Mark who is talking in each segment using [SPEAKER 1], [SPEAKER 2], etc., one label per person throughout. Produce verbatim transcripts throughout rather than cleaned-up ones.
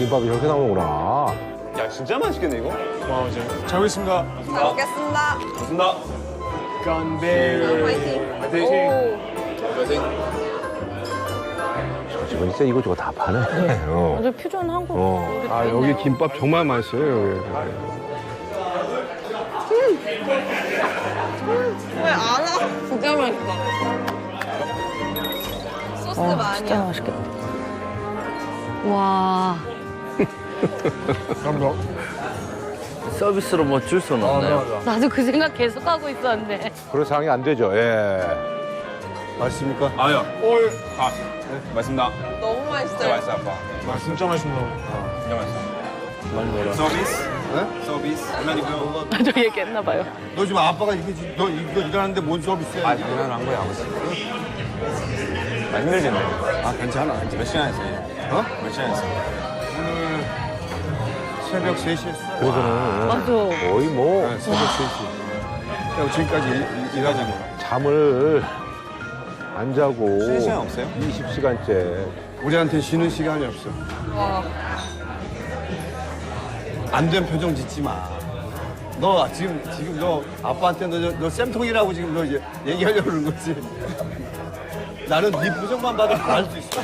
[SPEAKER 1] 김밥이 저렇게 나오는구나.
[SPEAKER 2] 야, 진짜 맛있겠네, 이거?
[SPEAKER 3] 와, 이제 잘 먹겠습니다.
[SPEAKER 4] 잘 먹겠습니다.
[SPEAKER 2] 좋습니다.
[SPEAKER 3] 건배.
[SPEAKER 4] 파이팅.
[SPEAKER 2] 파이팅.
[SPEAKER 4] 오.
[SPEAKER 2] 파이팅.
[SPEAKER 1] 저 집은 진짜 이거저거 다 파네. 어.
[SPEAKER 5] 아주 퓨전 한국.
[SPEAKER 1] 어.
[SPEAKER 6] 아, 여기 김밥 정말 맛있어요, 여기.
[SPEAKER 4] 왜 안 와? 진짜 맛있다. 소스
[SPEAKER 5] 어,
[SPEAKER 4] 많이.
[SPEAKER 5] 진짜 맛있겠다. 와.
[SPEAKER 7] 서비스로 뭐 줄 수는 없나요?
[SPEAKER 5] 나도 그 생각 계속 하고 있었는데.
[SPEAKER 1] 그런 상황이 안 되죠. 예.
[SPEAKER 6] 맛있습니까?
[SPEAKER 2] 아야. 아, 네, 맛있습니다.
[SPEAKER 4] 너무
[SPEAKER 2] 진짜
[SPEAKER 4] 맛있어요.
[SPEAKER 2] 맛있어, 아빠.
[SPEAKER 3] 아, 진짜 맛있습니다.
[SPEAKER 2] 진짜 맛있어.
[SPEAKER 7] 많이 먹어라.
[SPEAKER 2] 서비스? 네? 서비스? 얼마니고요?
[SPEAKER 5] 저 얘기했나 봐요.
[SPEAKER 6] 너 지금 아빠가 이렇게 지- 너 이거 일하는데 뭔 서비스야?
[SPEAKER 2] 아, 당연한 거야, 아버지. 아, 힘들겠네.
[SPEAKER 6] 아, 괜찮아.
[SPEAKER 2] 몇 시간 했어요?
[SPEAKER 6] 어?
[SPEAKER 2] 몇 시간 했어요?
[SPEAKER 6] 오늘 새벽 세 시에 했어.
[SPEAKER 1] 그래서는
[SPEAKER 5] 맞아.
[SPEAKER 1] 거의 뭐
[SPEAKER 6] 네, 새벽 세 시. 야, 지금까지 일, 일하자고.
[SPEAKER 1] 잠을 안 자고
[SPEAKER 2] 쉬는 시간 없어요?
[SPEAKER 1] 이십 시간째.
[SPEAKER 6] 우리한테 쉬는 시간이 없어.
[SPEAKER 4] 와.
[SPEAKER 6] 안 된 표정 짓지 마. 너 지금 지금 너 아빠한테 너, 너 쌤통이라고 지금 너 이제 얘기하려고 그러는 거지. 나는 네 표정만 봐도 다 알 수 있어.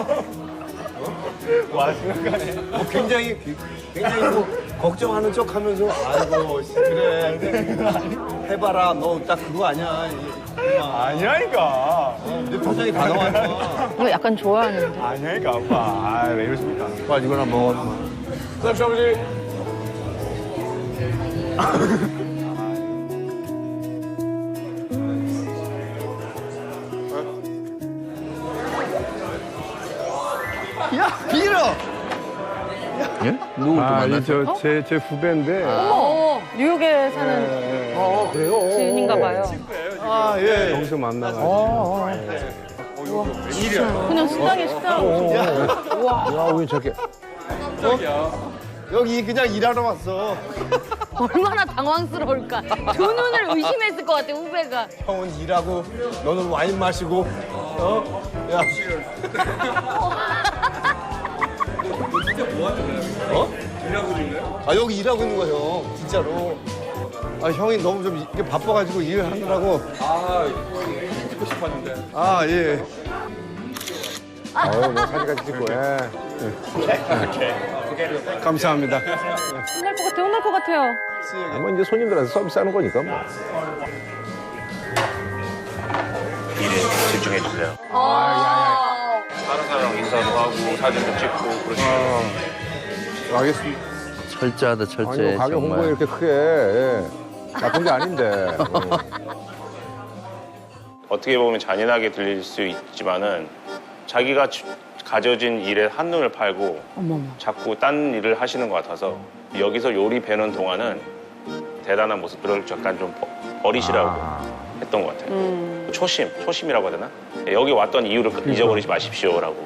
[SPEAKER 2] 와, 심각하네.
[SPEAKER 6] 뭐 굉장히 굉장히 뭐 걱정하는 척하면서 아이고 씨, 그래 해봐라 너 딱 그거 아니야. 이- 아,
[SPEAKER 2] 아니야니까.
[SPEAKER 6] 네 표정이 다 나와 있어.
[SPEAKER 5] 이거 약간 좋아하는데.
[SPEAKER 2] 아니야니까, 아빠. 아, 왜 이러십니까?
[SPEAKER 6] 빨리 이거나 먹어.
[SPEAKER 3] 쌉시 아버지.
[SPEAKER 6] 야 빌어.
[SPEAKER 7] 예? 누구 좀
[SPEAKER 6] 아,
[SPEAKER 7] 만났어요?
[SPEAKER 6] 이저제 제 후배인데.
[SPEAKER 5] 어머, 뉴욕에 사는
[SPEAKER 1] 어, 그래요?
[SPEAKER 5] 지인인가 봐요.
[SPEAKER 6] 아 예. 여기서 만나가지고.
[SPEAKER 1] 어,
[SPEAKER 5] 그냥 식당에 식당.
[SPEAKER 1] 야, 왜 저렇게.
[SPEAKER 6] 여기 그냥 일하러 왔어.
[SPEAKER 5] 얼마나 당황스러울까. 두 눈을 의심했을 것 같아, 후배가.
[SPEAKER 6] 형은 일하고 너는 와인 마시고. 어? 야. 어? 일하고 있는 거야? 아 여기 일하고 있는 거야 형. 진짜로. 아 형이 너무 좀 이게 바빠가지고 일을 하느라고.
[SPEAKER 2] 아, 찍고 싶었는데.
[SPEAKER 6] 아 예.
[SPEAKER 1] 어, 뭐 사진까지 찍고. 예.
[SPEAKER 6] 감사합니다.
[SPEAKER 5] 혼날 것 같아, 혼날 것 같아요.
[SPEAKER 1] 아, 뭐 이제 손님들한테 서비스하는 거니까 뭐.
[SPEAKER 8] 일에 집중해 주세요.
[SPEAKER 4] 아.
[SPEAKER 8] 다른 사람 인사도 하고 사진도 찍고 그러시면
[SPEAKER 6] 알겠습니다.
[SPEAKER 7] 철저하다,
[SPEAKER 1] 아니,
[SPEAKER 7] 철저해,
[SPEAKER 1] 뭐 가게 홍보에
[SPEAKER 7] 정말.
[SPEAKER 1] 이렇게 크게. 예. 나쁜 게 아닌데. 어.
[SPEAKER 8] 어떻게 보면 잔인하게 들릴 수 있지만은 자기가 주- 가져진 일에 한눈을 팔고
[SPEAKER 5] 어머머.
[SPEAKER 8] 자꾸 딴 일을 하시는 것 같아서 여기서 요리 배는 동안은 대단한 모습들을 약간 좀 버- 버리시라고
[SPEAKER 1] 아.
[SPEAKER 8] 했던 것 같아요. 초심, 초심이라고 해야 되나? 여기 왔던 이유를 잊어버리지 마십시오라고.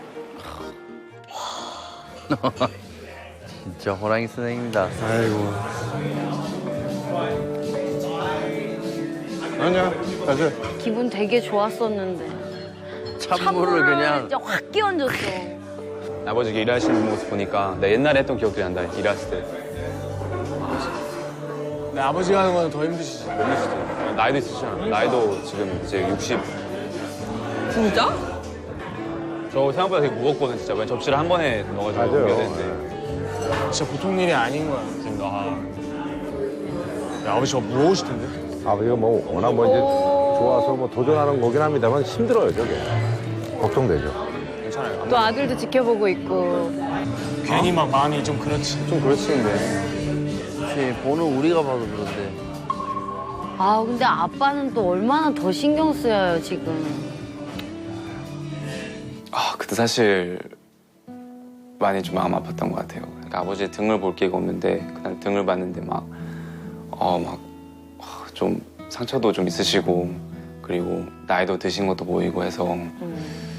[SPEAKER 7] 진짜 호랑이 선생님이다.
[SPEAKER 6] 아이고. 아니야. 가자.
[SPEAKER 5] 기분 되게 좋았었는데.
[SPEAKER 7] 찬물을 그냥.
[SPEAKER 5] 진짜 확 끼얹었어.
[SPEAKER 2] 아버지가 일하시는 모습 보니까 나 옛날에 했던 기억들이 난다, 일했을 때.
[SPEAKER 3] 네, 아버지가 하는 건 더 힘드시지.
[SPEAKER 2] 나이도 있으시잖아. 나이도 지금 이제 육십.
[SPEAKER 4] 진짜?
[SPEAKER 2] 저 생각보다 되게 무겁거든, 진짜. 왜 접시를 한 번에 넣어가지고
[SPEAKER 1] 맞아요.
[SPEAKER 2] 옮겨야 되는데.
[SPEAKER 3] 진짜 보통 일이 아닌 거야. 지금 아. 야, 아버지 저거 무거우실 텐데.
[SPEAKER 1] 아버지가 뭐 워낙 뭐 이제 좋아서 뭐 도전하는 거긴 합니다만 힘들어요, 저게. 걱정되죠.
[SPEAKER 2] 괜찮아요.
[SPEAKER 5] 또 아들도 지켜보고 있고.
[SPEAKER 3] 괜히 막 마음이 좀 그렇지.
[SPEAKER 2] 좀 그렇지, 근데.
[SPEAKER 7] 그치, 보는 우리가 봐도 그런데.
[SPEAKER 5] 아, 근데 아빠는 또 얼마나 더 신경 쓰여요, 지금.
[SPEAKER 2] 아, 그때 사실 많이 좀 마음 아팠던 것 같아요. 그러니까 아버지의 등을 볼 기회가 없는데 그날 등을 봤는데 막, 어, 막, 좀 상처도 좀 있으시고 그리고 나이도 드신 것도 보이고 해서
[SPEAKER 5] 음.